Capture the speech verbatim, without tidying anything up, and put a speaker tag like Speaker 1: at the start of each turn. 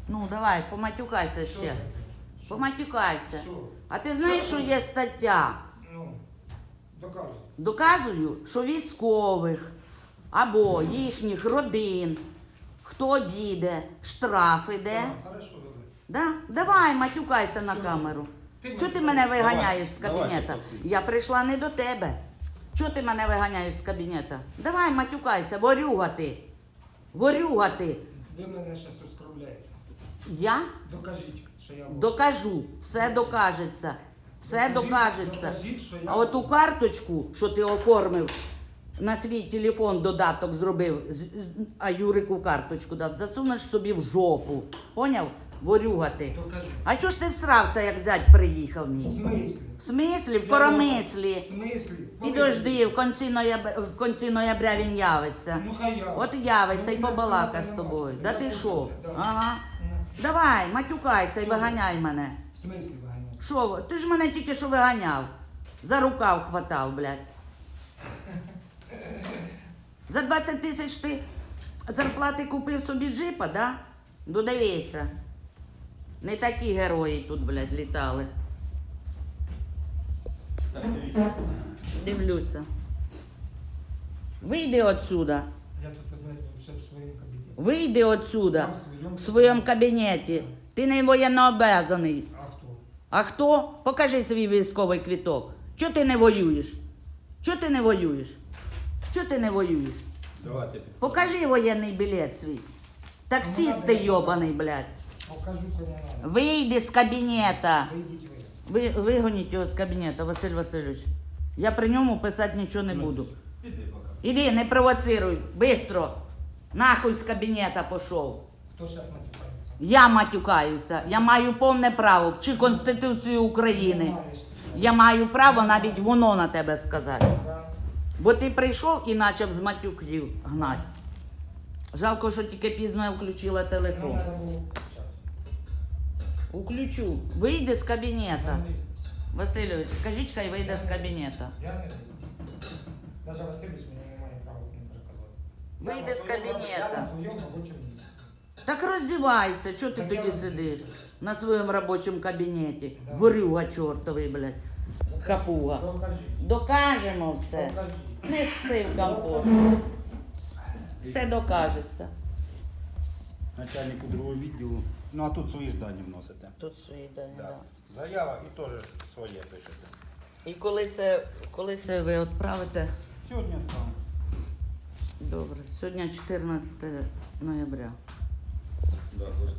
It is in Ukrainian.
Speaker 1: Ну, давай, поматюкайся
Speaker 2: Що
Speaker 1: ще.
Speaker 2: таке?
Speaker 1: Поматюкайся.
Speaker 2: Що?
Speaker 1: А ти знаєш,
Speaker 2: Що?
Speaker 1: що є стаття?
Speaker 2: Ну, доказуй.
Speaker 1: Доказую, що військових або їхніх родин, хто обійде, штраф іде.
Speaker 2: А, хорошо, добре.
Speaker 1: Да? Давай, матюкайся на
Speaker 2: Що?
Speaker 1: камеру.
Speaker 2: Ти
Speaker 1: Чого ти
Speaker 2: матюкайся.
Speaker 1: мене виганяєш з
Speaker 3: Давай,
Speaker 1: кабінета?
Speaker 3: давайте, просіть.
Speaker 1: Я прийшла не до тебе. Чого ти мене виганяєш з кабінета? Давай, матюкайся, ворюга ти. Ворюга ти.
Speaker 2: Ви мене зараз оскорбляєте.
Speaker 1: Я
Speaker 2: Докажіть, що я був.
Speaker 1: докажу, все докажеться. Все
Speaker 2: Докажіть-
Speaker 1: докажеться.
Speaker 2: докажіть, що я
Speaker 1: А оту карточку, що ти оформив, на свій телефон додаток зробив, з- з- а Юрику карточку дав, засунеш собі в жопу. Поняв? Ворюга ти.
Speaker 2: Докажіть.
Speaker 1: А чого ж ти всрався, як зять приїхав
Speaker 2: В
Speaker 1: мій?
Speaker 2: смислі?
Speaker 1: В смислі? В
Speaker 2: Я
Speaker 1: коромислі.
Speaker 2: В смислі?
Speaker 1: Підожди, в кінці ноября, в кінці ноября він явиться.
Speaker 2: Ну хай я.
Speaker 1: От явиться
Speaker 2: Ну,
Speaker 1: і
Speaker 2: мене
Speaker 1: побалака
Speaker 2: це
Speaker 1: з
Speaker 2: не
Speaker 1: тобою.
Speaker 2: має.
Speaker 1: Да
Speaker 2: Я
Speaker 1: ти
Speaker 2: хочу,
Speaker 1: що?
Speaker 2: да.
Speaker 1: Ага.
Speaker 2: Ну,
Speaker 1: Давай, матюкайся і
Speaker 2: Чого?
Speaker 1: виганяй мене.
Speaker 2: В смислі виганяти?
Speaker 1: Що, ви? Ти ж мене тільки що виганяв. За рукав хватав, блядь. За двадцять тисяч ти зарплати купив собі джипа, да? Додивися. Не такі герої тут, блядь, літали.
Speaker 3: Так, дивіться.
Speaker 1: Дивлюся. Вийди отсюда.
Speaker 2: Я тут блядь, вже в своєму кабінеті.
Speaker 1: Вийди отсюда.
Speaker 2: Я в своєму
Speaker 1: В своєму кабінеті. Ти не воєннообязаний.
Speaker 2: А хто?
Speaker 1: А хто? Покажи свій військовий квиток. Чого ти не воюєш? Чого ти не воюєш? Чого ти не воюєш?
Speaker 3: Давайте.
Speaker 1: Покажи воєнний білет свій. Таксист ти йобаний, блядь.
Speaker 2: Покажу, кому надо.
Speaker 1: Вийди з кабінета.
Speaker 2: Вийдіть ви.
Speaker 1: Ви, вигоніть його з кабінета, Василь Васильович. Я при ньому писати нічого не буду.
Speaker 3: Піди поки.
Speaker 1: Іди, не провоцируй, бистро. Нахуй з кабінета пішов.
Speaker 2: Хто зараз матюкається?
Speaker 1: Я матюкаюся. Я маю повне право. Вчи Конституцію України.
Speaker 2: Не маєш.
Speaker 1: Я маю право навіть воно на тебе сказати.
Speaker 2: Да.
Speaker 1: Бо ти прийшов і почав з матюків гнати. Жалко, що тільки пізно я включила
Speaker 2: Ну,
Speaker 1: телефон.
Speaker 2: надо було кричати.
Speaker 1: Включу. Вийди з кабінета.
Speaker 2: Я не-
Speaker 1: Васильович, скажіть, хай вийде з кабінета.
Speaker 2: Я не вийду. Навіть Васильович мені не має права мені переказати. Я
Speaker 1: Вийди
Speaker 2: на
Speaker 1: з
Speaker 2: своєму-
Speaker 1: кабінета.
Speaker 2: Я на своєму робочому місці.
Speaker 1: Так роздівайся, чого ти
Speaker 2: Так я
Speaker 1: тоді
Speaker 2: роздівся.
Speaker 1: сидиш на своєму робочому кабінеті?
Speaker 2: Да.
Speaker 1: Ворюга чортовий, блядь. Хапуга.
Speaker 2: Докажіть.
Speaker 1: Докажемо все.
Speaker 2: Докажіть.
Speaker 1: Не сси в компот. Все докажеться.
Speaker 3: Начальнику другого відділу. Ну а тут свої ж дані вносите.
Speaker 1: Тут свої дані,
Speaker 3: Да.
Speaker 1: да.
Speaker 3: Заява і теж своє пишете.
Speaker 1: І коли це, коли це ви відправите?
Speaker 3: Сьогодні там.
Speaker 1: Добре. Сьогодні чотирнадцяте ноября.
Speaker 3: Да,